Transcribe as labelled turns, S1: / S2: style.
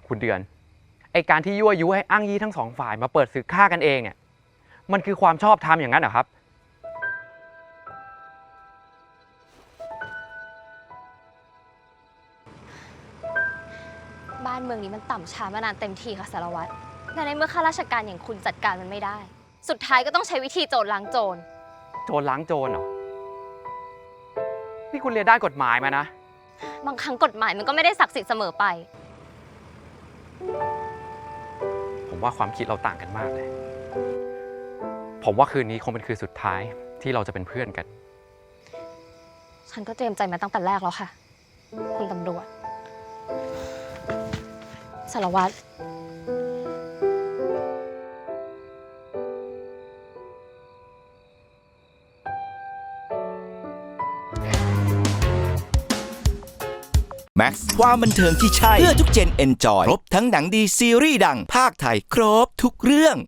S1: คุณเดือนไอการที่ยั่วยุให้อ้างยี่ทั้งสองฝ่ายมาเปิดศึกฆ่ากันเองเนี่ยมันคือความชอบธรรมอย่างนั้นเหรอครับ
S2: บ้านเมืองนี้มันต่ำช้ามานานเต็มทีค่ะสารวัตรแต่ในเมื่อข้าราชการอย่างคุณจัดการมันไม่ได้สุดท้ายก็ต้องใช้วิธีโจรล้างโจร
S1: โจรล้างโจรเหรอนี่คุณเรียนด้านกฎหมายมานะ
S2: บางครั้งกฎหมายมันก็ไม่ได้ศักดิ์สิทธิ์เสมอไป
S1: ผมว่าความคิดเราต่างกันมากเลยผมว่าคืนนี้คงเป็นคืนสุดท้ายที่เราจะเป็นเพื่อนกัน
S2: ฉันก็เตรียมใจมาตั้งแต่แรกแล้วค่ะคุณตำรวจสารวัตร
S3: แม็กซ์ความบันเทิงที่ใช่เพื่อทุกเจนเอนจอยครบทั้งหนังดีซีรีส์ดังภาคไทยครบทุกเรื่อง